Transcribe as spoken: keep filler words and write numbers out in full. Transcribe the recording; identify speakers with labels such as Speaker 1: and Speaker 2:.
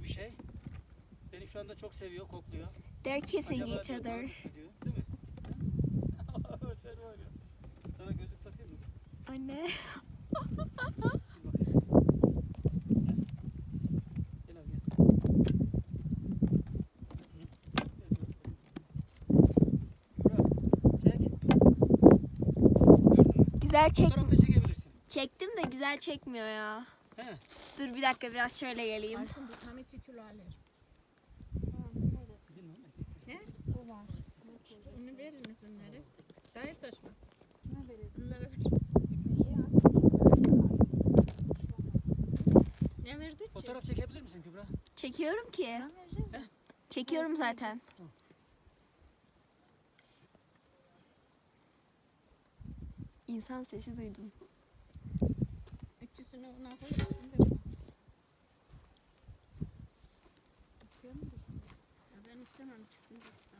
Speaker 1: bir şey. Beni şu anda çok seviyor, kokluyor.
Speaker 2: They're kissing
Speaker 1: Acaba
Speaker 2: each
Speaker 1: diyor,
Speaker 2: other.
Speaker 1: tanıdık mı diyor, değil mi? Ha? Sen var ya. Sana gözlük takayım mı?
Speaker 2: Anne.
Speaker 1: Bir bakayım. Gel. Gel az gel. Hı. Gel, çek. Gördün mü?
Speaker 2: Güzel çek.
Speaker 1: Fotoğraf da çekebilirsin.
Speaker 2: Çektim de güzel çekmiyor ya.
Speaker 1: He.
Speaker 2: Dur bir dakika biraz şöyle geleyim.
Speaker 3: Aslında bu tam içi çulaler.
Speaker 1: Sizin mi?
Speaker 3: Ne? O var. Onu verin üzümleri. Gayet saçma. Bunlara ver. Ne verdik ki?
Speaker 1: Fotoğraf çekebilir misin Kübra?
Speaker 2: Çekiyorum ki.
Speaker 3: Ben vereceğim.
Speaker 1: He?
Speaker 2: Çekiyorum zaten. İnsan sesi duydum.
Speaker 3: Üçüsünü ona koyarsın da. Bakıyor mu düşünüyor? Ya ben istemem ikisini de.